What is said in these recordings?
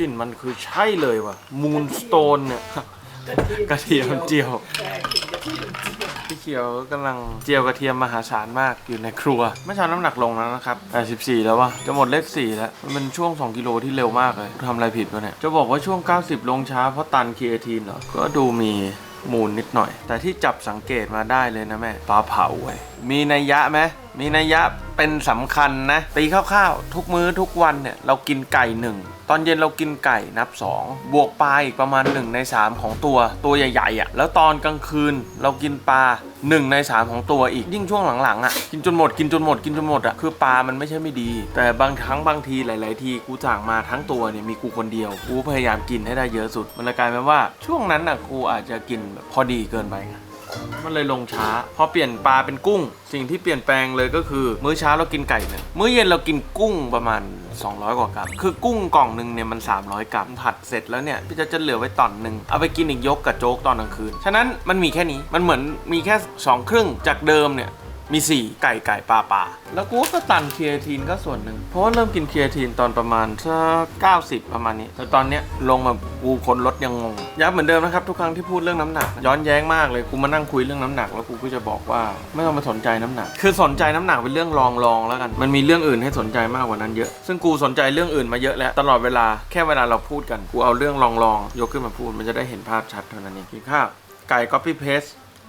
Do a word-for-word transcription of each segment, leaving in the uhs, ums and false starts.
ลิ่นมันคือใช่เลยว่ะมูนสโตนเนี่ยกระเทียมเจียวพี่เขียวกำลังเจียวกระเทียมมหาศาลมากอยู่ในครัวเมื่อเช้าน้ำหนักลงแล้วนะครับแปดสิบสี่แล้ววะจะหมดเลขสี่แล้วมันเป็นช่วงสองกิโลที่เร็วมากเลยทำอะไรผิดวะเนี่ยจะบอกว่าช่วงเก้าสิบลงช้าเพราะตันครีเอทีนเหรอก็ดูมีมูลนิดหน่อยแต่ที่จับสังเกตมาได้เลยนะแม่ปลาเผาเว้ยมีนัยยะไหมมีนัยยะเป็นสำคัญนะตีคร่าวๆทุกมื้อทุกวันเนี่ยเรากินไก่หนึ่งตอนเย็นเรากินไก่นับสองบวกปลาอีกประมาณหนึ่งในสามของตัวตัวใหญ่ๆอ่ะแล้วตอนกลางคืนเรากินปลาหนึ่งในสามของตัวอีกยิ่งช่วงหลังๆอ่ะกินจนหมดกินจนหมดกินจนหมดอ่ะคือปลามันไม่ใช่ไม่ดีแต่บางครั้งบางทีหลายๆทีกูสั่งมาทั้งตัวเนี่ยมีกูคนเดียวกูพยายามกินให้ได้เยอะสุดมันเลยกลายเป็นว่าช่วงนั้นอ่ะกูอาจจะกินแบบพอดีเกินไปมันเลยลงช้าพอเปลี่ยนปลาเป็นกุ้งสิ่งที่เปลี่ยนแปลงเลยก็คือมื้อเช้าเรากินไก่หนึ่งมื้อเย็นเรากินกุ้งประมาณสองร้อยกว่ากรัมคือกุ้งกล่องหนึ่งเนี่ยมันสามร้อยกรัมผัดเสร็จแล้วเนี่ยพี่จะจะเหลือไว้ตอนหนึ่งเอาไปกินอีกยกกับโจ๊กตอนกลางคืนฉะนั้นมันมีแค่นี้มันเหมือนมีแค่สองครึ่งจากเดิมเนี่ยมีสี่ไก่ไก่ปลาปลาแล้วกูก็ตันครีเอทีนก็ส่วนหนึ่งเพราะว่าเริ่มกินครีเอทีนตอนประมาณสักเก้าสิบประมาณนี้แต่ตอนเนี้ยลงมากูคนลดยังงงย้ำเหมือนเดิมนะครับทุกครั้งที่พูดเรื่องน้ำหนักย้อนแย้งมากเลยกูมานั่งคุยเรื่องน้ำหนักแล้วกูก็จะบอกว่าไม่ต้องมาสนใจน้ำหนักคือสนใจน้ำหนักเป็นเรื่องรองรองแล้วกันมันมีเรื่องอื่นให้สนใจมากกว่านั้นเยอะซึ่งกูสนใจเรื่องอื่นมาเยอะแล้วตลอดเวลาแค่เวลาเราพูดกันกูเอาเรื่องรองรองยกขึ้นมาพูดมันจะได้เห็นภาพชัดเท่านั้นเองกินข้าวไก่ copy paste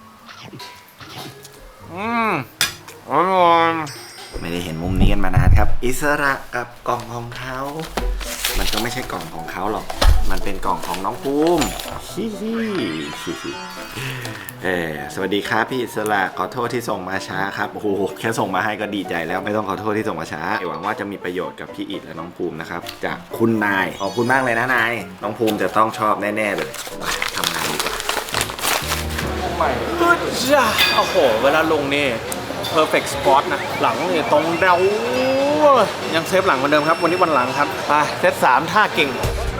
อืมไม่ได้เห็นมุมนี้กันมานานครับอิสระกับกล่องของเขามันก็ไม่ใช่กล่องของเขาหรอกมันเป็นกล่องของน้องภูมิฮิฮิฮิเออสวัสดีครับพี่อิสระขอโทษที่ส่งมาช้าครับโอ้โหแค่ส่งมาให้ก็ดีใจแล้วไม่ต้องขอโทษที่ส่งมาช้าหวังว่าจะมีประโยชน์กับพี่อิฐและน้องภูมินะครับจากคุณนายขอบคุณมากเลยนะนายน้องภูมิจะต้องชอบแน่ๆเลยทำงานดีกว่าใหม่ฮึดจ้าโอ้โหเวลาลงนี่perfect spot นะหลังเนี่ยตรงเดายังเซฟหลังเหมือนเดิมครับวันนี้วันหลังครับไปเซตสามท่าเก่ง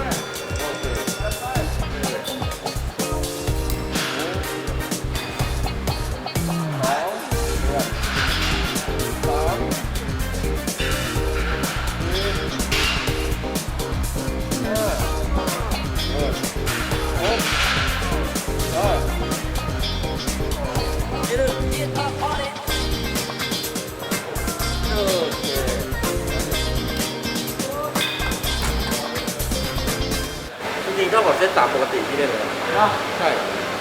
จริงๆเท่ากับเซตสามปกติที่ได้เลยใช่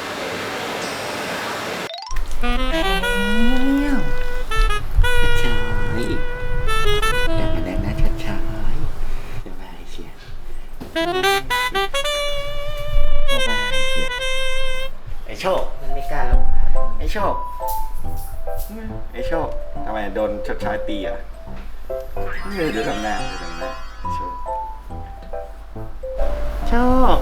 ช้าๆอย่ามาแรงนะช้าๆสบายเชียสบายเชียไอโชคมันไม่กล้าลงไอโชคไอโชคทำไมโดนชดใช้ตีอ่ะเดี๋ยวทำหน้าเดี๋ยวทำหน้าโชคโชค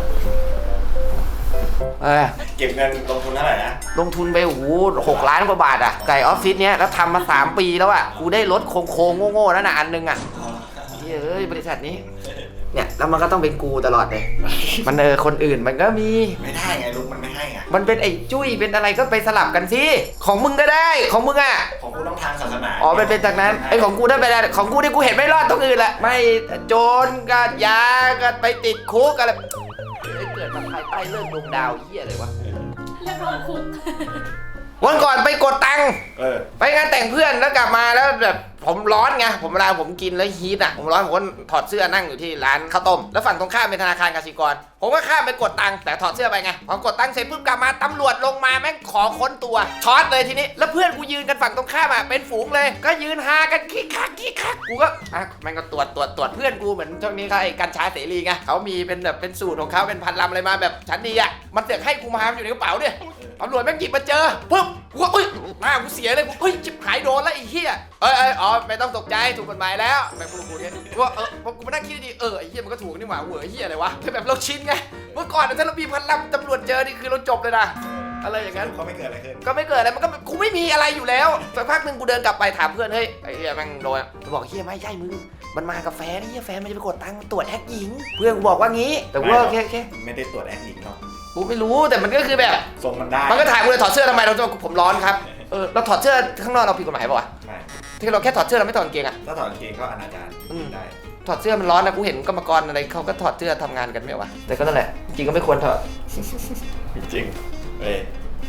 เออเก็บเงินลงทุนเท่าไหร่นะลงทุนไปโอ้โหหกล้านกว่าบาทอ่ะไก่ออฟฟิศเนี้ยแล้วทำมาสามปีแล้วอ่ะกูได้รถโค้งๆโง่ๆนั่นน่ะอันนึงอ่ะเฮ้ยบริษัทนี้เนี่ยแล้วมันก็ต้องเป็นกูตลอดเลยมันเออคนอื่นมันก็มีไม่ได้ไงลุงมันไม่ให้ไงมันเป็นไอ้จุ้ยเป็นอะไรก็ไปสลับกันสิของมึงก็ได้ของมึงอ่ะของกูต้องทางศาสนาอ๋อเป็นเป็นจากนั้นไอ้ของกูถ้าไปได้ของกูที่กูเห็นไม่รอดตรงอื่นแหละไม่โจรก็ยาก็ไปติดคุกอะไรเกิดมาภายใต้เรื่องดวงดาวเหี้ยอะไรวะเรื่องของคุณวันก่อนไปกดตังค์เออไปงานแต่งเพื่อนแล้วกลับมาแล้วแบบผมร้อนไงผมเวลาผมกินแล้วฮีทอ่ะผมร้อนผมก็ถอดเสื้อนั่งอยู่ที่ร้านข้าวต้มแล้วฝั่งตรงข้ามเป็นธนาคารกสิกรผมก็ข้ามไปกดตังค์แต่ถอดเสื้อไปไงพอกดตังค์เสร็จปุ๊บกลับมาตำรวจลงมาแม่งขอค้นตัวช็อตเลยทีนี้แล้วเพื่อนกูยืนกันฝั่งตรงข้ามอ่ะเป็นฝูงเลยก็ยืนฮากันคิกคักคิกคักกูก็อ่ะแม่งก็ตรวจตรวจตรวจเพื่อนกูเหมือนช่วงนี้เขาไอ้กัญชาเสรีไงเขามีเป็นแบบเป็นสูตรของเขาเป็นพันลำอะไรมาแบบชั้นดีอ่ะมันเสือกให้กูมาอยู่ในกระเป๋าเนี่ยตำรวจแม่งหยิบมาเจอปุ๊บกูเอ้ยหน้ากูเสียเลยกูเฮ้ยจิบหายโดนแล้วไอ้เหี้ยเอ้ยเอ้ยอ๋อไม่ต้องตกใจถูกกฎหมายแล้วแบบกูกูเนี่ยว่าเออพอกูมานั่งคิดดีเออไอ้เหี้ยมันก็ถูกนี่หว่าเว้ยไอ้เหี้ยอะไรวะแค่แบบเราชินไงเมื่อก่อนถ้าเรามีพันลำตำรวจเจอนี่คือเราจบเลยนะอะไรอย่างนั้นก็ไม่เกิดอะไรขึ้นก็ไม่เกิดอะไรมันก็กูไม่มีอะไรอยู่แล้วสักพักหนึ่งกูเดินกลับไปถามเพื่อนเฮ้ยไอ้เหี้ยแม่งโดนบอกเหี้ยไม่ใช่มึงมันมากับแฟนไอ้เหี้ยแฟนมันจะไปกดตังค์ตรวจแอคหญิงเพื่อนกูบอกว่างี้แต่ว่าแค่แค่ไม่ได้ตรวจแอคหญิงหรอกกูไม่รู้แต่มันก็คือแบบส่งมันได้มันก็ถ่ายกูเลยถอดเสื้อทำไมเราจะผมร้อนครับเออเราถอดเสื้อข้างนอกเราผิดกฎหมายป่ะวะไม่ที่เราแค่ถอดเสื้อเราไม่ถอดกางเกงอ่ะถ้าถอดกางเกงก็อนาจารได้ถอดเสื้อมันร้อนนะกูเห็นกรรมกรอะไรเขาก็ถอดเสื้อทำงานกันไม่วะแต่ก็นั่นแหละจริงก็ไม่ควรถอดจริงเอ้ย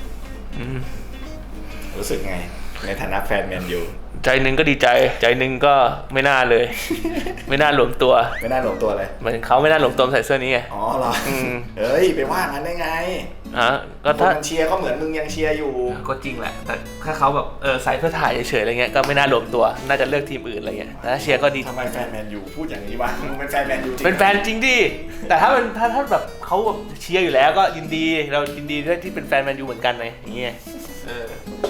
รู้สึกไงในฐานะแฟนแมนยูใจหนึ่งก็ดีใจใจหนึ่งก็ไม่น่าเลย ไม่น่าหลวมตัวไม่น่าหลงตัวเลยเหมือนเขาไม่น่าหลวมตัวใส่เสื้อนี้ไงอ๋อเหรออืมเฮ้ยไปว่างั้นได้ไงฮะก็คนถ้ามันเชียร์ก็เหมือนมึงยังเชียร์อยู่ก็จริงแหละแต่ถ้าเขาแบบเออใส่เพื่อถ่ายเฉยๆอะไรเงี้ยก็ไม่น่าหลวมตัวน่าจะเลือกทีมอื่นอะไรเงี้ยแต่ถ้าเชียร์ก็ดีทำไมแฟนแมนยูพูดอย่างนี้วะมึงเป็นแฟนแมนยูจริงเป็นแฟนจริงดิแต่ถ้าเป็นถ้าถ้าแบบเขาแบบเชียร์อยู่แล้วก็ยินดีเรายินดีด้วยที่เป็นแฟนแมนยูเหมือนกันไงอย่างเงี้ยเออ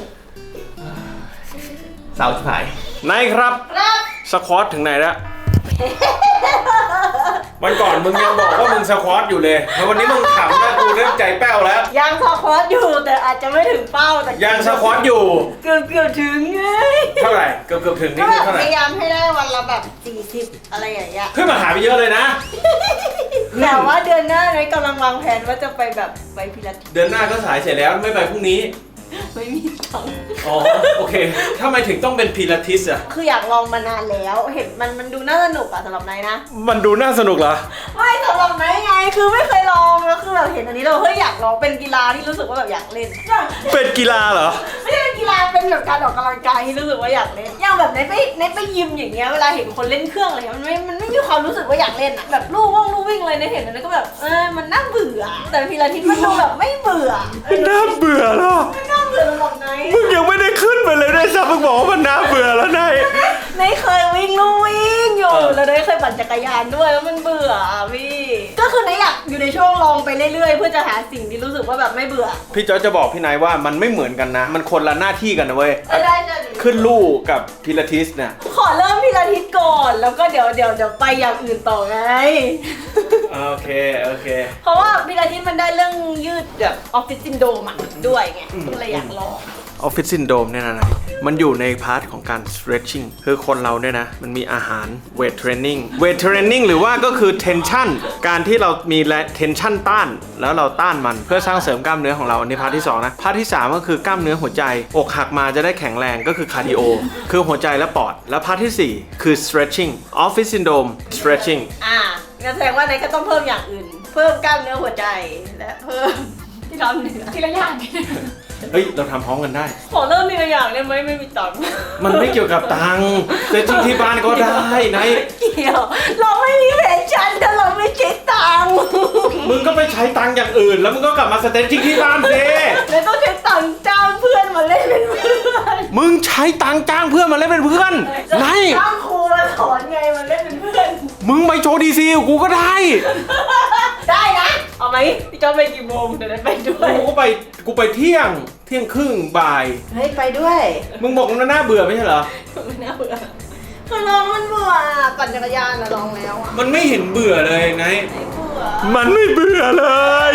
สาวชิบหายนายครับสควอตถึงไหนแล้ว วันก่อนมึงยังบอกว่ามึงสควอตอยู่เลยแล้ววันนี้มึงขำนะกูเริ่มใจแป้วแล้วยังสควอตอยู่แต่อาจจะไม่ถึงเป้าแต่ยังสควอตอยู่เกือบเกือบถึงไงเท่าไหร่เกือบเกือบถึงก็นี่แบคือบ เท่าไหพร่ยายามให้ได้วันละแบบสี่สิบอะไรอย่างเงี้ยขึ้นมาหาไปเยอะเลยนะแต่ว่าเดือนหน้าเนยกำลังวางแผนว่าจะไปแบบไปพิลาทิสเดือนหน้าก็สายเสร็จแล้วไม่ไปพรุ่งนี้ไม่มีตังค์อ๋อโอเคทำไมถึงต้องเป็นพิลาทิสอ่ะคืออยากลองมานานแล้วเห็นมันมันดูน่าสนุกอะสำหรับนายนะมันดูน่าสนุกเหรอไม่สำหรับนายไงคือไม่เคยลองแล้วคือแบบเห็นอันนี้เราเฮ้ยอยากลองเป็นกีฬาที่รู้สึกว่าแบบอยากเล่นเป็นกีฬาเหรอไม่ใช่เป็นกีฬาเป็นแบบการออกกำลังกายที่รู้สึกว่าอยากเล่นอย่างแบบในไปในไปยิมอย่างเงี้ยเวลาเห็นคนเล่นเครื่องอะไรเงี้ยมันไม่มันไม่มีความรู้สึกว่าอยากเล่นอะแบบลู่ว่องลู่วิ่งเลยในเห็นอันนั้นก็แบบเออมันน่าเบื่อแต่พิลาทิสมันดูแบบไม่เบื่อเออน่าเบื่อเหรอไม่น่าเบื่อสำหรับนายมึงยังไม่ได้ขึ้นไปเลยด้วยซ้ำมึงบอกว่ามันน่าเบื่อแล้วนายนายเคยวิ่งลู่วิ่งอยู่เออแล้วนายเคยปั่นจักรยานด้วยแล้วมันเบื่ออะพี่ก็คือนายอยากอยู่ในช่วงลองไปเรื่อยๆเพื่อจะหาสิ่งที่รู้สึกว่าแบบไม่เบื่อพี่จอร์จจะบอกพี่นายว่ามันไม่เหมือนกันนะ มันคนละหน้าที่กันนะเว้ยเออได้ได้ขึ้นลู่กับพิลาทิสเนี่ยขอเริ่มพิลาทิสก่อนแล้วก็เดี๋ยวเดี๋ยวเดี๋ยวไปอย่างอื่นต่อไงโอเคโอเคเพราะว่าพิลาทิสมันได้เรื่องยืดแบบออฟฟิศซินโดรมอะด้วยไงก็เลยอยากลองออฟฟิศซินโดรมเนี่ยนะมันอยู่ในพาร์ทของการ stretching คือคนเราเนี่ยนะ มันมีอาหาร weight training weight training หรือว่าก็คือ tension การที่เรามี tension ต้าน แล้วเราต้านมันเพื่อสร้างเสริมกล้ามเนื้อของเราอันนี้พาร์ทที่สองนะ พาร์ทที่สามก็คือกล้ามเนื้อหัวใจ อกหักมาจะได้แข็งแรงก็คือ cardio คือหัวใจและปอด แล้วพาร์ทที่สี่คือ stretching office syndrome stretching อ่างั้นแสดงว่านายก็ต้องเพิ่มอย่างอื่น เพิ่มกล้ามเนื้อหัวใจและเพิ่มที่กล้ามเนื้อทีละอย่างเฮ้ย เราทำพร้อมกันได้ขอเริ่มทีละอย่างได้ไหมไม่มีตังค์มันไม่เกี่ยวกับตังค์แต่จริงที่บ้านก็ได้นายเกี่ยวเราไม่มีแผนชั่นถ้าเราไม่ใช้ตังค์มึงก็ไปใช้ตังค์อย่างอื่น แล้วมึงก็กลับมาสเตนจิ้งที่บ้านสิแล้วต้องใช้ตังค์จ้างเพื่อนมาเล่นเป็นเพื่อนมึงใช้ตังค์จ้างเพื่อนมาเล่นเป็นเพื่อนนายจ้างครูมาสอนไงมาเล่นเป็นเพื่อนมึงไปโชว์ดีซีกูก็ได้ได้นะเอาไหมพี่จอไปกี่โมงเดี๋ยวได้ไปด้วยกูก็ไปกูไปเที่ยงเที่ยงครึ่งบ่ายเฮ้ยไปด้วยมึงบอกมันน่าเบื่อไม่ใช่เหรอไม่น่าเบื่อคือลองมันเบื่อปั่นจักรยานอะลองแล้วอะมันไม่เห็นเบื่อเลยนายไม่เบื่อมันไม่เบื่อเลย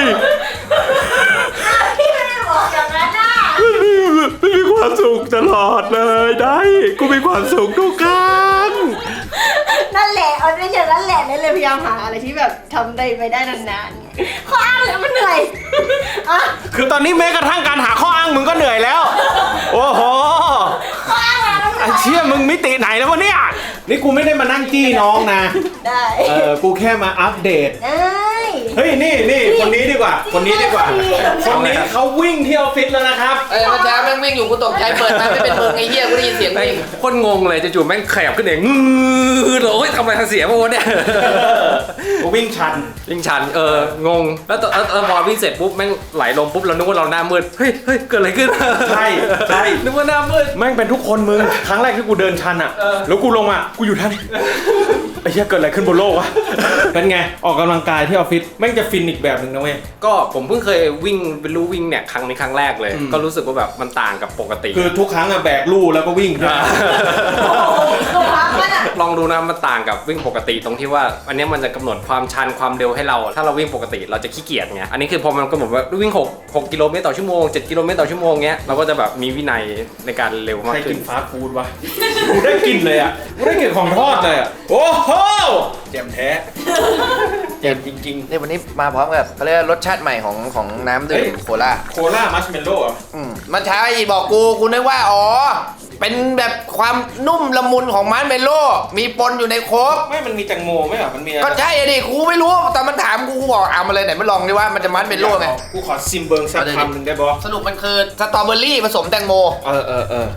อ้าวพี่ไม่ได้บอกอย่างนั้นน่ะไม่มีความสุขตลอดเลยได้กูมีความสุขทุกครั้งนั่นแหละเอาไม่ใช่นั่นแหละนั่นเลยพยายามหาอะไรที่แบบทำได้ไปได้นานๆไงข้ออ้างเลยมันเหนื่อยอ่ะคือตอนนี้แม้กระทั่งการหาข้ออ้างมึงก็เหนื่อยแล้ว โอ้โหข้ออ้างอะไรมันเหไอ้นื่อยเชี่ยมึงมิติไหนแล้ววะเนี่ย นี่กูไม่ได้มานั่งจี้น้องนะได้เออ กูแค่มาอัปเดตได้เฮ้ย นี่นี่คนนี้ดีกว่า คนนี้ดีกว่า คนนี้เขาวิ่งที่ออฟฟิศแล้วนะครับเอ้ยเมื่อเช้าแม่งวิ่งอยู่กูตกใจเปิดมาไม่เป็นมึงไอ้เหี้ยกูได้ยินเสียงวิ่งโคตรงงเลยจู่ๆแม่งขยับขึ้นเองงือโอ้ยทำอะไรทางเสียงวะเนี่ยกูวิ่งชันวิ่งชันเอองงแล้วตอนแล้วพอวิ่งเสร็จปุ๊บแม่งไหลลงปุ๊บเรานึกว่าเราหน้ามืดเฮ้ยเฮ้ยเกิดอะไรขึ้นใช่ใช่นึกว่าหน้ามืดแม่งเป็นทุกคนมึง ครั้งแรกที่กูเดินชันอ่ะ แล้วกูลงอ่ะ กูอยู่ท่านไอ้เหี้ยเกิดอะไรขึ้นบนโลกวะ เป็นไง ออกกำลังกายที่ออฟฟิศ แม่งจะฟินอีกแบบหนึ่งนะเว้ยก็ผมเพิ่งเคยวิ่งเป็นรู้วิ่งเนี่ยครั้งนี้ครั้งแรกเลยอืมก็รู้สึกว่าแบบมันต่างกับปกติคือทุกครั้งอะแบกลู่แล้วก็วิ่งใช่ไหมโอ้โหตัวพักมันอะลองดูนะมันต่างกับวิ่งปกติตรงที่ว่าอันเนี้ยมันจะกำหนดความชันความเร็วให้เรา ถ้าเราวิ่งปกติเราจะขี้เกียจไงอันนี้คือพอมันกำหนดว่าวิ่งหก หกกิโลเมตรต่อชั่วโมงเจ็ดกิโลเมตรต่อชั่วโมงเงี้ยเราก็จะแบบมีวินัยในการเร็วมากใครขึ้กินนฟาสต์ฟู้ดวะ กูได้กินเลยอ่ะ กูได้กินของทอดเลยอ่ะ โอ้โหเจ็มแท้เจ็มจริงนี่วันนี้มาพร้อมกับเขาเรียกว่ารสชาติใหม่ของของน้ำดื่เฮ้มยโคลาๆ โคล่ามัชเมลโล่อะอืมเมื่อเช้าไอ้บอกกูกูนึกว่าอ๋อเป็นแบบความนุ่มละมุนของมาร์ชเมลโล่มีปนอยู่ในโค้กไม่มันมีแตงโมไหมอ่ะมันมีอะไรก็ใช่อะดิกูไม่รู้แต่มันถามกูกูบอกเอามาเลยไหนมาลองดิว่ามันจะมาร์ชเมลโล่ไงกูขอซิมเบิงสักคำหนึ่งได้บอสรุปมันคือสตรอเบอรี่ผสมแตงโมเออเออเออ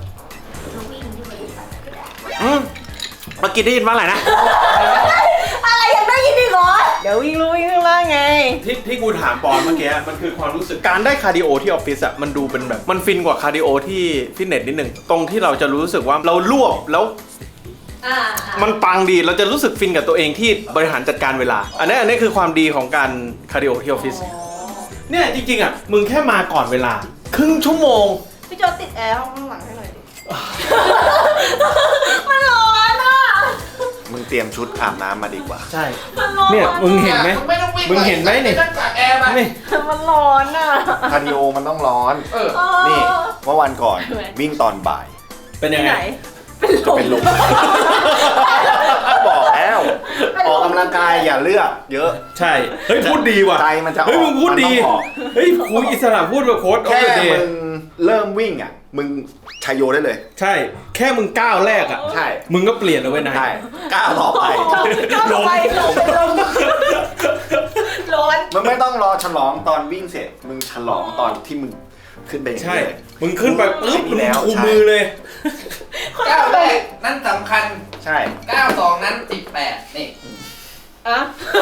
อืมเมื่อกี้ได้ยินว่าอะไรนะอะไรยังได้ยินอีกเหรอเดี๋ยววิ่งรู้วิ่งข้างล่างไงที่ที่กูถามปอนเมื่อกี้มันคือความรู้สึกการได้คาร์ดิโอที่ออฟฟิศอะมันดูเป็นแบบมันฟินกว่าคาร์ดิโอที่ฟิตเนสนิดหนึ่งตรงที่เราจะรู้สึกว่าเรารวบแล้วอ่ามันปังดีเราจะรู้สึกฟินกับตัวเองที่บริหารจัดการเวลา อันนี้อันนี้คือความดีของการคาร์ดิโอที่ออฟฟิศเนี่ยจริงๆอะมึงแค่มาก่อนเวลาครึ่งชั่วโมงพี่โจติดแอร์ห้องข้างหลังให้หน่อยดิ มันร้อนอ่ะมึงเตรียมชุดอาบน้ำมาดีกว่าใช่มันร้อนเนี่ยมึงเห็นไหมไม่ต้องวิ่งมึงเห็นไหมนี่ต้องจากแอร์มานี่มันร้อนอ่ะคาร์ดิโอมันต้องร้อนเออนี่เมื่อวันก่อนทำไมวิ่งตอนบ่ายเป็นยังที่ไงไหน เป็นลมเป็นลม บอกแล้วออกกำลังกายอย่าเลือกเยอะใช่เฮ้ยพูดดีว่ะใจมันจะออกเฮ้ยมึงพูดดีมันต้องออกเฮ้ยครูอิสระพูดแบบโค้ดออฟแค่เดอะเดมึย์งเริ่มวิ่งอ่ะ มึงชัยโยได้เลยใช่ แค่มึงก้าวแรกอ่ะใช่มึงก็เปลี่ยนแล้วเว้ยนายใช่ก้าวต่อไปก้าวต่อไปลมเป็นลมร้อนมึงไม่ต้องรอฉลองตอนวิ่งเสร็จ มึงฉลองตอนที่มึงขึ้นไปอย่างใช่นี้เลยมึงขึ้นไปปึ๊บมึงแล้วชูใช่มือเลยก้าวแรกนั่นสำคัญใช่ก้าวสองนั้นสิบแปดนี่อะ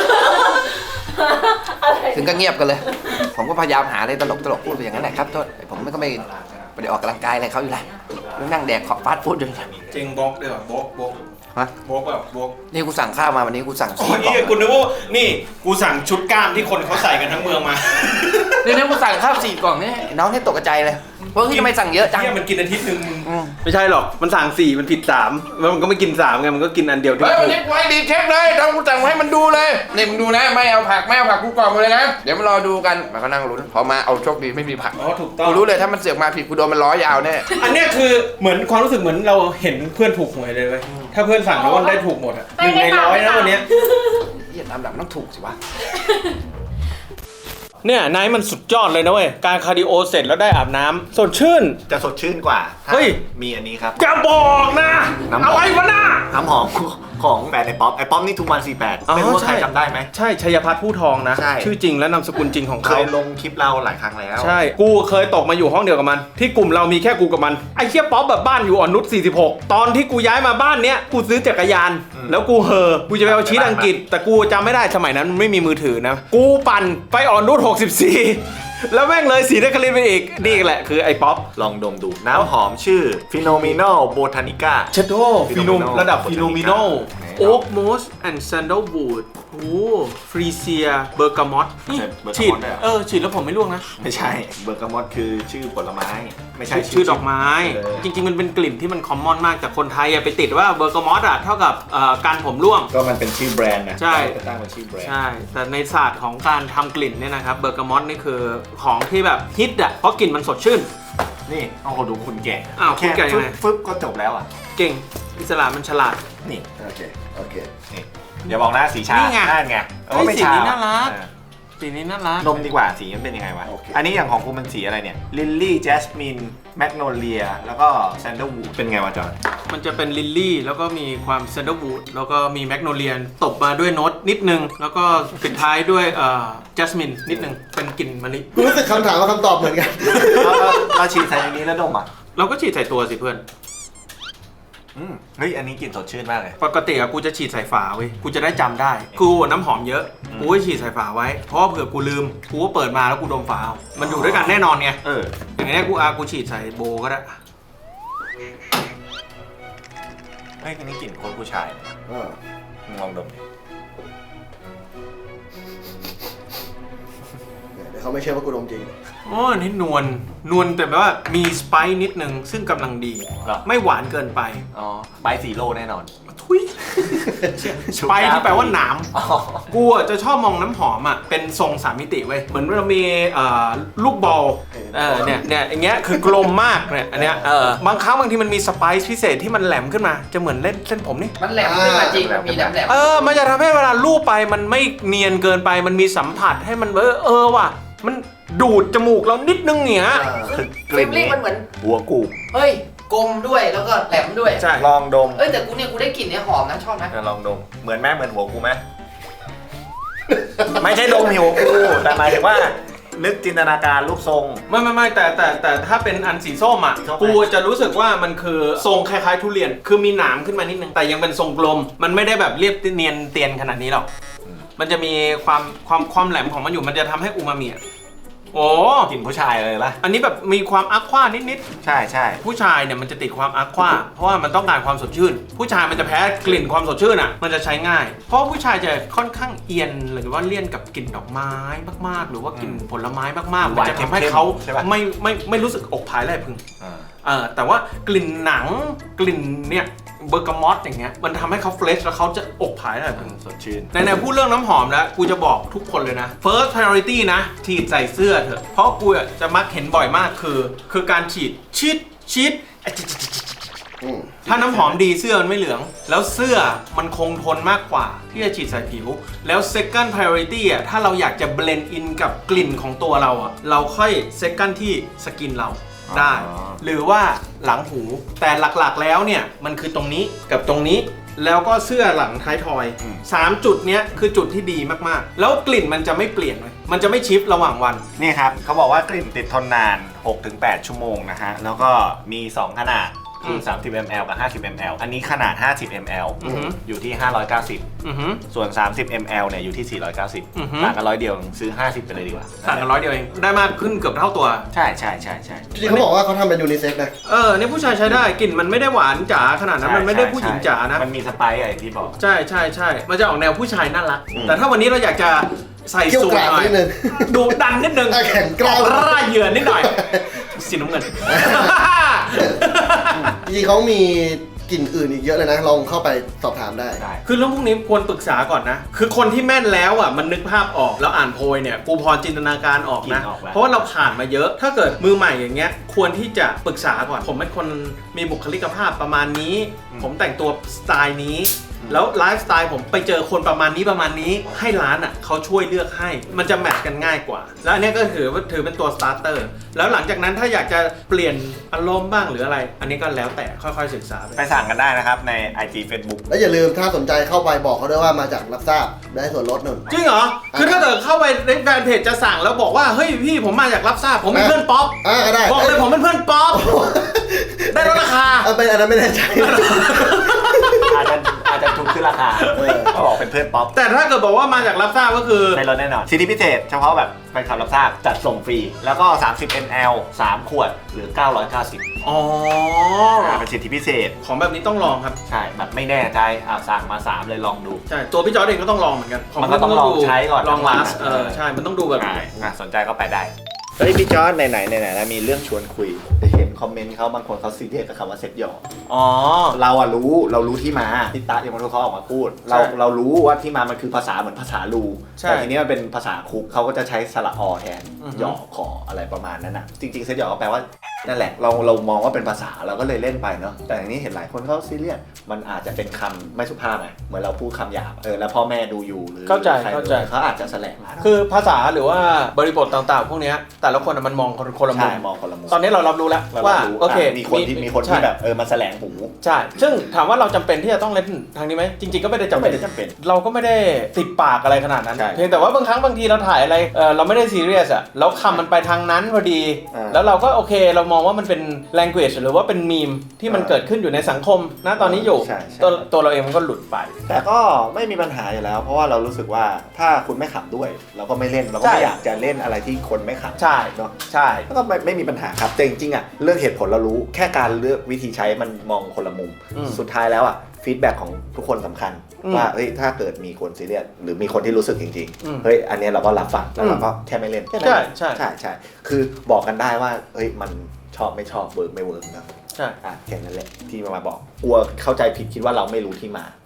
อะไรถึงก็เงียบกันเลย ผมก็พยายามหาอะไรตลกตลกๆพูดไปอย่างนั้นแหละครับโทษผมไม่ก็ไม่ไม่ได้ออกกำลังกายอะไรเขาอยู่แล้วนั่งแดกขอฟาสต์ฟู้ดอยู่จริงบล็อกด้วยว่ะบล็อกบล็อกฮะบล็อกแบบบล็อกนี่กูสั่งข้าวมาวันนี้กูสั่งโอ้สี่ยกล่องนี่กูนึกว่านี่กูสั่งชุดกล้ามที่คนเขาใส่กันทั้งเมืองมานี่นี่กูสั่งข้าวสี่กล่องนี่น้องนี่ตกใจเลยว่าที่ทำไมสั่งเยอะจังเนี่ยมันกินอาทิตย์หนึ่งมึงอืมไม่ใช่หรอกมันสั่งสี่มันผิดสามแล้วมันก็ไม่กินสามไงมันก็กินอันเดียวที่เฮ้ยถูวันกนี้กูให้รีเช็คเลยทำกูสั่งมาให้มันดูเลยนี่มึงดูนะไม่เอาผักไม่เอาผักกูกล่องมาเลยนะเดี๋ยวมารอดูกันมันก็นั่งลุ้นพอมาเอาโชคดีไม่มีผักอ๋อถูกต้องกูรู้เลยถ้ามันเสือกมาผิดกูโดนมันล้อยาวแน่อันเนี้ยคือเหมือนความรู้สึกเหมือนเราเห็นเพื่อนถูกหวยเลยเว้ยถ้าเพื่อนสั่งแล้วมันได้ถูกหมดอ่ะหนึ่งในร้อยนะวันเนี้ยเหี้ยตามหลักมันต้องถูกสิวะเนี่ยไนท์มันสุดยอดเลยนะเว้ยการคาร์ดิโอเสร็จแล้วได้อาบน้ำสดชื่นจะสดชื่นกว่าถ้าเฮ้ยมีอันนี้ครับจะบอกนะน้ำหอมอะไรวะน่ะน้ำหอมของแฟนไอ้ป๊อปไอ้ป๊อปนี่ทุกวันสี่แปดอ๋อไม่รู้ว่าใครใช่จำได้ไหมใช่ชัยพัฒน์ผู้ทองนะใช่ชื่อจริงและนามสกุลจริงของเคเขายลงคลิปเราหลายครั้งแล้วใช่กูเคยตกมาอยู่ห้องเดียวกับมัน ที่กลุ่มเรามีแค่กูกับมันไอ้เชี่ยป๊อปแบบบ้านอยู่อ่อนนุชสี่สิบหกตอนที่กูย้ายมาบ้านเนี้ยกูซื้อจักรยานอืมแล้วกูเฮอกูจะไปเอาชีตอังกฤษ แต่กูจำไม่ได้สมัยนั้นมันไม่มีมือถือนะกูปั่นไปอ่อนนุชหกสิบสี่แล้วแม่งเลยสีนครินทร์ไปอีกนี่แหละคือไอ้ป๊อปลองดมดู น้ำหอมชื่อ Phenomenal Botanica เชโดฟิโน Phenomenal ระดับฟิโนมิโนไหนโอ๊กมอสแอนด์แซนเดลวูดโอ้ฟรีเซียเบอร์กามอตใช่เบอร์กามอตฉีดด้วยเหรอเออฉีดแล้วผมไม่ร่วงนะไม่ใช่เบอร์กามอตคือชื่อผลไม้ ไม่ใช่ชื่อดอกไม้เออจริงๆ มันเป็นกลิ่นที่มันคอมมอนมากแต่คนไทยอะไปติดว่าเบอร์กามอตอะเท่ากับเอ่อการผมร่วงก็มันเป็นชื่อแบรนด์นะใช่ก็ตั้งเป็นชื่อแบรนด์ใช่ แต่ในศาสตร์ของการทำกลิ่นเนี่ยนะครับเบอร์กามอตนี่คือของที่แบบฮิตอะเพราะกลิ่นมันสดชื่นนี่เอาคนดูคุณแก่อ้าวคุณแก่ยังไงฟึบก็จบแล้วอ่ะเก่งอิสระมันฉลาดนี่ โอเค โอเค นี่อย่าบอกนะสีชานี่ไงนั่นไงเออเฮ้ยไม่สีชานี้น่ารักเออสีนี้น่ารักนมดีกว่าสีมันเป็นยังไงวะ อันนี้อย่างของกูมันสีอะไรเนี่ย ลิลลี่ แจสมิน แมกโนเลีย แล้วก็แซนเดลวูดเป็นไงวะจอนมันจะเป็นลิลลี่แล้วก็มีความแซนเดลวูดแล้วก็มีแมกโนเลียตบมาด้วยโน้ตนิดนึง แล้วก็ปิดท้ายด้วยเอ่อจัสมินนิดนึงเป็นกลิ่นมะลิกูรู้สึกคำถามกับคำตอบเหมือนกันเราเราเราฉีดใส่ในนี้แล้วดมอ่ะเราก็ฉีดใส่ตัวสิเพื่อนอืมเฮ้ย อันนี้กลิ่นสดชื่นมากเลยปกติอะกูจะฉีดใส่ฝาเว้ย กูจะได้จำได้ กูน้ำหอมเยอะ กูก็ฉีดใส่ฝาไว้ เพราะว่าเผื่อกูลืม กูก็เปิดมาแล้วกูดมฝาเอามันอยู่ด้วยกันแน่นอนไงเอออย่างนี้กูอากูฉีดใส่โบก็ได้เฮ้ย อันนี้กลิ่นโคนผู้ชายเลยเออมึงลองดมดิเดี๋ยวเขาไม่เชื่อว่ากูดมจริงอ๋อนี่นวล นวลแต่แบบว่ามีสไปซ์นิดนึงซึ่งกำลังดีเหรอไม่หวานเกินไปอ๋อใบสีโลแน่นอนทุยสไปซ์ที่แปลว่าหนามอ๋อกูอ่ะจะชอบมองน้ำหอมอ่ะเป็นทรงสามมิติเว้ยเหมือนเรามีเอ่อลูกบอลเออเนี่ยเนี่ยอย่างเงี้ยคือกลมมากเนี่ยอันเนี้ยเออบางครั้งบางทีมันมีสไปซ์พิเศษที่มันแหลมขึ้นมาจะเหมือนเล่นเส้นผมนี่มันแหลมขึ้นมาจริงมันมีแหลมแหลมเออมันจะทำให้เวลาลูบไปมันไม่เนียนเกินไปมันมีสัมผัสให้มันเออเออว่ะมันดูดจมูกเรานิดนึงเนี่ยคือกลิ่นฟิลลิ่นี้งมันเหมือนหัวกูบเฮ้ยกลมด้วยแล้วก็แหลมด้วยใช่ลองดมเอ้ยแต่กูเนี่ยกูได้กลิ่นเนี่ยหอมนะชอบนะเออลองดมเหมือนแม่เหมือนหัวกูไหม ไม่ใช่ดมหัวกูแต่หมายถึงว่านึกจินตนาการรูปทรงไม่ไม่ไม่แต่แต่แต่ถ้าเป็นอันสีส้มอ่ะส้มไหมกูจะรู้สึกว่ามันคือทรงคล้ายๆทุเรียน คือมีหนามขึ้นมานิดนึงแต่ยังเป็นทรงกลม มันไม่ได้แบบเรียบเนียนเตียนขนาดนี้หรอกมันจะมีความความความแหลมของมันอยู่มันจะทำให้อูมามิอะโอ้กลิ่นผู้ชายเลยละอันนี้แบบมีความอัควานิดใช่ใช่ๆผู้ชายเนี่ยมันจะติดความอัควาเพราะว่ามันต้องการความสดชื่น ผู้ชายมันจะแพ้กลิ่นความสดชื่นอ่ะมันจะใช้ง่าย เพราะผู้ชายจะค่อนข้างเอียนหรือว่าเลี่ยนกับกลิ่นดอกไม้มากๆ หรือว่ากลิ่นผลไม้มากๆมันจะทำให้เขาไม่ไม่ไม่รู้สึกอกผายแลพึงอ่าเออแต่ว่ากลิ่นหนังกลิ่นเนี่ยเบอร์กามอตอย่างเงี้ยมันทำให้เขาเฟรชแล้วเขาจะอกผายแลพึงสดชื่นในๆพูดเรื่องน้ำหอมแล้วกูจะบอกทุกคนเลยนะ first priority นะฉีดใส่เสื้อเถอะเพราะกูอะจะมักเห็นบ่อยมากคือ คือการฉีดชิดชิดอืมถ้าน้ำหอมดีเสื้อมันไม่เหลือง แล้วเสื้อมันคงทนมากกว่าที่จะฉีดใส่ผิว แล้ว second priority อ่ะถ้าเราอยากจะ blend in กับกลิ่นของตัวเราอ่ะเราค่อย second ที่สกินเราได้อ๋อหรือว่าหลังหูแต่หลักๆแล้วเนี่ยมันคือตรงนี้กับตรงนี้ แล้วก็เสื้อหลังท้ายทอยสามจุดเนี้ยคือจุดที่ดีมากๆแล้วกลิ่นมันจะไม่เปลี่ยนเลยมันจะไม่ชิฟระหว่างวันนี่ครับเขาบอกว่ากลิ่นติดทนนาน หกถึงแปด ชั่วโมงนะฮะ แล้วก็มี สอง ขนาดคืออืมสามสิบมิลลิลิตร กับ ห้าสิบมิลลิลิตร อันนี้ขนาด ห้าสิบมิลลิลิตรอือหืออยู่ที่ ห้าร้อยเก้าสิบอือหือส่วน สามสิบมิลลิลิตร เนี่ยอยู่ที่ สี่ร้อยเก้าสิบอือหือต่างกันร้อยเดียวซื้อ ห้าสิบ ไปเลยดีกว่าต่างกันร้อยเดียวเองได้มากขึ้นเกือบเท่าตัวใช่ใช่ใช่ใช่จริงๆเขาบอกว่าเขาทำเป็นยูนิเซ็กซ์นะเออเนี่ยผู้ชายใช้ได้กลิ่นมันไม่ได้หวานจ๋าขนาดนั้นมันไม่ได้ผู้หญิงจ๋านะมันมีสไปซ์อะไรที่บอกใช่ใช่ใช่มันจะออกแนวผู้ชายน่ารักอืมแต่ถ้าวันนี้เราอยากจะใส่เกี่ยวสูทกราบหน่อยนิดนึงดูดันนิดนึงอ่ะแข็งกร้าวร่าเหยื่อนิดหน่อยสีน้ำเงินจริงๆเขามีกลิ่นอื่นอีกเยอะเลยนะ ลองเข้าไปสอบถามได้ได้คือเรื่องพวกนี้ควรปรึกษาก่อนนะ คือคนที่แม่นแล้วอ่ะมันนึกภาพออกแล้วอ่านโพยเนี่ยกูพอจินตนาการออกนะกินออกแล้วเพราะว่าเราผ่านมาเยอะ ถ้าเกิดมือใหม่อย่างเงี้ยควรที่จะปรึกษาก่อน ผมเป็นคนมีบุคลิกภาพประมาณนี้ ผมแต่งตัวสไตล์นี้ แล้วไลฟ์สไตล์ผมไปเจอคนประมาณนี้ประมาณนี้ให้ร้านอ่ะเขาช่วยเลือกให้มันจะแมทช์กันง่ายกว่า แล้วอันเนี้ยก็ถือว่าถือเป็นตัวสตาร์เตอร์แล้วหลังจากนั้นถ้าอยากจะเปลี่ยนอารมณ์บ้างหรืออะไร อันนี้ก็แล้วแต่ค่อยๆศึกษาไปไปสั่งกันได้นะครับใน ไอ จี Facebook แล้วอย่าลืมถ้าสนใจเข้าไปบอกเขาด้วยว่ามาจากรับทราบได้ส่วนลดหนึ่งจริงเหรอ คือถ้าเกิดเข้าไปในแฟนเพจจะสั่งแล้วบอกว่า เฮ้ยพี่ผมมาจากรับทราบผมเป็นเพื่อนป๊อปอ่าก็ได้บอกเลยผมเป็นเพื่อนป๊อป ได้ลดราคาเอาเป็นอันนั้นไม่แน่ใจอาจจะอาจจะถูกขึ้นราคาเออเขาบอกเป็นเพื่อนป๊อปแต่ถ้าเกิดบอกว่ามาจากรับทราบก็คือในรถแน่นอนสิทธิพิเศษเฉพาะแบบแฟนคลับรับทราบจัดส่งฟรี แล้วก็ สามสิบมิลลิลิตร สาม ขวดหรือ เก้าร้อยเก้าสิบอ๋ออ่าเป็นสิทธิพิเศษของแบบนี้ต้องลองครับใช่แบบไม่แน่ใจอ่าสั่งมา สาม เลยลองดูใช่ ตัวพี่จอร์ดเองก็ต้องลองเหมือนกันมันก็ต้องลองใช้ก่อนลองลาสทั้งวันเออ ใช่ มันต้องดูแบบใช่อ่ะสนใจก็ไปได้ เฮ้ยพี่จอร์ดไหนไหนไหนแล้วมีเรื่องชวนคุยแต่เห็นคอมเมนต์เขาบางคนเขาซีเรียสกับคำว่าเซ็ตหยอกอ๋อเราอะรู้เรารู้ที่มาที่ตาที่มันเขาออกมาพูด เราใช่เรารู้ว่าที่มามันคือภาษาเหมือนภาษาลูใช่แต่ทีนี้มันเป็นภาษาคุกเขาก็จะใช้สระอแทนอือฮึหยอกขออะไรประมาณนั้นนะจริงๆเซ็ตหยอกก็แปลว่านั่นแหละเราเรามองว่าเป็นภาษาเราก็เลยเล่นไปเนาะแต่อันนี้เห็นหลายคนเขาซีเรียสมันอาจจะเป็นคำไม่สุภาพไงเหมือนเราพูดคำหยาบเออแล้วพ่อแม่ดูอยู่หรือเข้าใจใครเข้าใจเขาอาจจะแสลงมาคือภาษาหรือว่าบริบทต่างๆ พวกเนี้ยแต่ละคนอะมันมองคนคนละมุใช่มมองคนละมุมตอนนี้เรารับรู้แล้วเราว่ารู้โอเคะมีคนที่มีคนที่ใช่แบบเออมันแสลงหูใช่ ซึ่งถามว่าเราจำเป็นที่จะต้องเล่นทางนี้ไหมจริงๆก็ไม่ได้จำเป็นไม่ได้จำเป็นเราก็ไม่ได้ติดปากอะไรขนาดนั้นใช่เพียงแต่ว่าบางครั้งบางทีเราถ่ายอะไรเออเราไม่ได้ซีเรียสอะแล้วคำมันไปทางนั้นพอดีอ่าแล้วเราก็โอเคเรามองว่ามันเป็น language หรือว่าเป็นมีมที่มันอ่าเกิดขึ้นอยู่ในสังคมนะตอนนี้อยู่ใช่ใช่ตัวตัวเราเองมันก็หลุดไปแต่ก็ไม่มีปัญหาอยู่แล้ว เพราะว่าเรารู้สึกว่าถ้าคุณไม่ขำด้วย เราก็ไม่เล่นเราก็ใช่ไม่อยากจะเล่นอะไรที่คนไม่ขำใช่เนาะใช่ก็ไม่ไม่มีปัญหาครับแต่จริงๆอ่ะเรื่องเหตุผลเรารู้แค่การเลือกวิธีใช้มันมองคนละมุมอืมสุดท้ายแล้วอ่ะฟีดแบ็กของทุกคนสำคัญอืมว่าเฮ้ยถ้าเกิดมีคนซีเรียสหรือมีคนที่รู้สึกจริงอืมๆเฮ้ยอันเนี้ยเราก็รับฟังแล้วเราก็แค่ไม่เล่นแค่นั้นใช่ใช่ใช่ใช่คือบอกกันได้ว่าเฮ้ยมันชอบไม่ชอบเวิร์กไม่เวิร์กนะใช่อ่ะแค่นั้นแหละที่มาบอกกลัวเข้าใจผิดคิดว่าเราไม่รู้ที่มา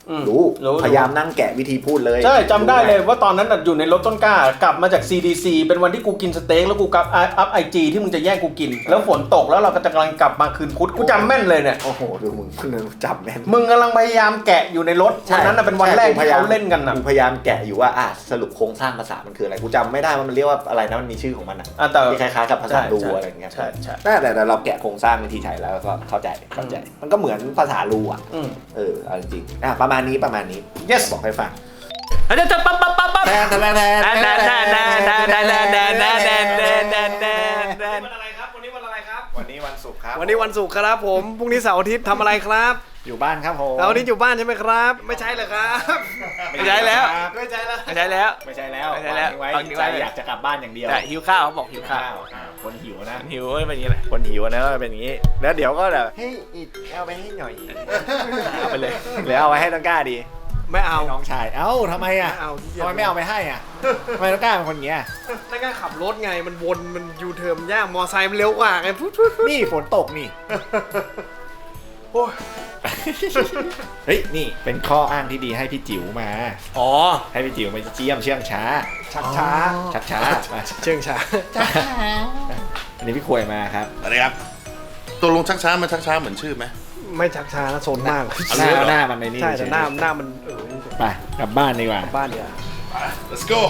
อืมรู้รู้พยายามนั่งแกะวิธีพูดเลยใช่จำได้เลยว่าตอนนั้นน่ะอยู่ในรถต้นกล้ากลับมาจาก ซี ดี ซี เป็นวันที่กูกินสเต็กแล้วกูกลับอัพไอจีที่มึงจะแย่งกูกิน แล้วฝนตกแล้วเราก็จะกำลังกลับมาคืนพุธกูจำแม่นเลยเนี่ยโอ้โหดูมึงมึงจำแม่นมึงกำลังพยายามแกะอยู่ในรถวันนั้นน่ะเป็นวันแรกที่เขาเล่นกันน่ะกูพยายามแกะอยู่ว่าอ่ะสรุปโครงสร้างภาษามันคืออะไรกูจำไม่ได้ว่ามันเรียกว่าอะไรนะมันมีชื่อของมันอ่ะอ่ะแต่ที่คล้ายๆกับภาษารูใช่อะไรอย่างเงี้ยใช่ใช่แต่แต่เราแกะโครงสร้างวิธีใช้แล้วก็เข้าใจเข้าใจ มันก็เหมือนภาษารูอ่ะอืมเออเอาจริงๆอ่ะประมาณนี้ประมาณนี้ yes บอกให้ฟังอาจารย์ปั๊บปั๊บปั๊บปั๊บแทนแทนแทนแทนแทนแทนแทนแทนแทนแทนแทนแทนแทนแทนแทนแทนวันอะไรครับวันนี้วันอะไรครับวันนี้วันศุกร์ครับวันนี้วันศุกร์ครับผมพรุ่งนี้เสาร์อาทิตย์ทำอะไรครับอยู่บ้านครับผมเสาร์อาทิตย์อยู่บ้านใช่ไหมครับ ไม่ใช่เหรอครับไม่ใช่แล้วไม่ใช่แล้วไม่ใช่แล้วไม่ใช่แล้วไม่ใช่แล้วไว้วางทิ้งไว้ใจอยากจะกลับบ้านอย่างเดียวแต่หิวข้าวเขาบอกหิวข้าวอ่าคนหิวนะหิวไม่เป็นอย่างนี้แหละคนหิวนะเป็นอย่างนี้ แล้วเดี๋ยวก็แบบเฮ้ยอิดเอาไปให้หน่อยเอาไปเลยหรือเอาไปให้ต้นกล้าดีไม่เอาให้น้องชายเอ้าทำไมอ่ะไม่เอาที่เกียจทำไมไม่เอาไปให้อ่ะทำไมต้นกล้าเป็นคนอย่างเงี้ยแล้วก็ขับรถไงมันวนมันยูเทิร์นยากมอไซค์มันเร็วกว่าไงพุ๊ดพุ๊ดพุ๊ดนี่ฝนตกนี่โอ้ยเฮ้ยนี่เป็นข้ออ้างที่ดีให้พี่จิ๋วมาอ๋อให้พี่จิ๋วมาเจียมเชื่องช้า ชักช้าชักช้ามาเชื่องช้าอันนี้พี่ควยมาครับอะไรครับตัวลงชักช้ามันชักช้าเหมือนชื่อไหมไม่ชักช้านะโซนมากหน้าหน้ามันในนี่ใช่แต่หน้าหน้ามันเออไปกลับบ้านดีกว่าบ้านเดียว let's go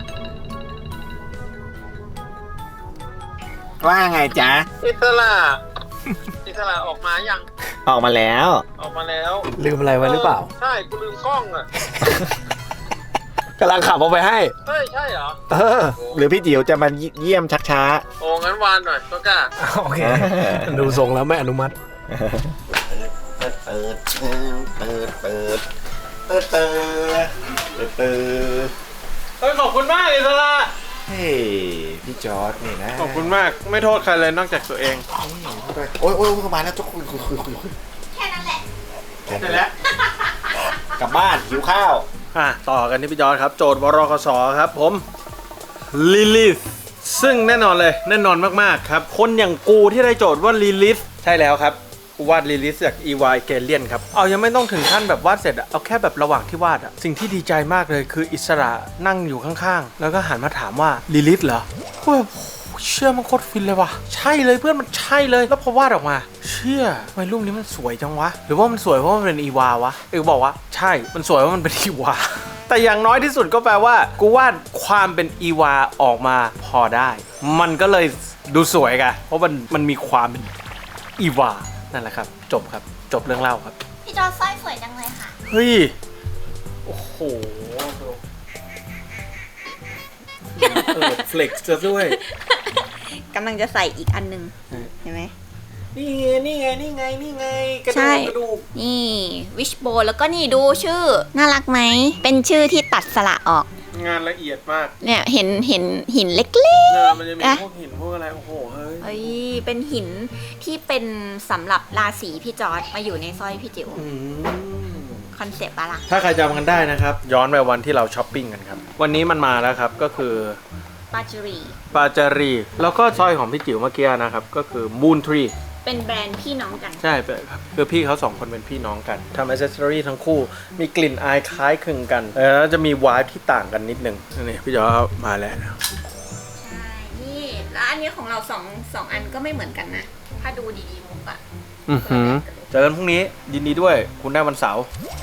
ว่าไงจ๊ะอิสระอิสระออกมายังออกมาแล้วออกมาแล้วลืมอะไรไว้หรือเปล่าใช่กูลืมกล้องอ่ะกำลังขับเอาไปให้เฮ้ย ใช่เหรอเออหรือพี่จิ๋วจะมาเยี่ยมชักช้าโอ้งั้นวานหน่อยก็กล้าโอเคดูทรงแล้วไม่อนุมัติเปิดเปิดเปิดเปิดเปิดเปิดเปิดเปิดเฮ้ยขอบคุณมากอิสระเฮ้ยพี่จอร์ดนี่นะขอบคุณมากไม่โทษใครเลยนอกจากตัวเองโอ้ยโอ้ยเข้ามาแล้วทุกคนคุยคุยคุยคุยแค่นั้นแหละเสร็จแล้วกลับบ้านหิวข้าวอ่ะต่อกันที่พี่จอร์จครับโจทย์วรคสครับผมลิลิธซึ่งแน่นอนเลยแน่นอนมากๆครับคนอย่างกูที่ได้โจทย์ว่าลิลิธใช่แล้วครับกูวาดลิลิธจาก อี วาย เกเลียนครับเอายังไม่ต้องถึงขั้นแบบวาดเสร็จอะเอาแค่แบบระหว่างที่วาดอะสิ่งที่ดีใจมากเลยคืออิสระนั่งอยู่ข้างๆแล้วก็หันมาถามว่าลิลิธเหรอกูแบบเชื่อมันโคตรฟินเลยว่ะใช่เลยเพื่อนมันใช่เลยแล้วพอวาดออกมาเชื่อทำไมรูปนี้มันสวยจังวะหรือว่ามันสวยเพราะมันเป็นอีวาวะเออบอกว่าใช่มันสวยเพราะมันเป็นอีวา แต่อย่างน้อยที่สุดก็แปลว่ากูวาดความเป็นอีวาออกมาพอได้ มันก็เลยดูสวยไงเพราะมันมันมีความเป็นอีวานั่นแหละครับจบครับจบเรื่องเล่าครับพี่จอร์จสร้อยสวยจังเลยค่ะเฮ้ยโอ้โหเออเฟล็กซ์จะด้วยกำลังจะใส่อีกอันหนึงเห็นไหมนี่ไงนี่ไงนี่ไงนี่ไงกระดูใช่กกระดูกนี่วิชโบแล้วก็นี่ดูชื่อ น่ารักไหม เป็นชื่อที่ตัดสระออกงานละเอียดมากเนี่ยเห็นเห็นหินเล็กเนี่ยมันจะมีอ่ะพวกหินพวกอะไรโอ้โหเฮ้ยๆเอ้ยเป็นหินที่เป็นสำหรับราศีพี่จอร์ดมาอยู่ในสร้อยพี่จิ๋วอืมคอนเซปต์ปะล่ะถ้าใครจำกันได้นะครับ ย้อนไปวันที่เราช้อปปิ้งกันครับ วันนี้มันมาแล้วครับก็คือปาจูรีปาจารี แล้วก็สร้อยของพี่จิ๋วเมื่อกี้นะครับ ก็คือ Moon Tree เป็นแบรนด์พี่น้องกันใช่ครับคือพี่เขาสองคนเป็นพี่น้องกันทำอ c เซสซอรี่ทั้งคู่มีกลิ่นอายคล้ายคลึงกันแล้วจะมีวายที่ต่างกันนิดนึงนี่พี่จอมาแล้วใช่ นี่แล้วอันนี้ของเราสองสองอันก็ไม่เหมือนกันนะ ถ้าดูดีๆมุกอะอือหือเจอกันพรุ่งนี้ยินดีด้วยคุณได้วันเสาร์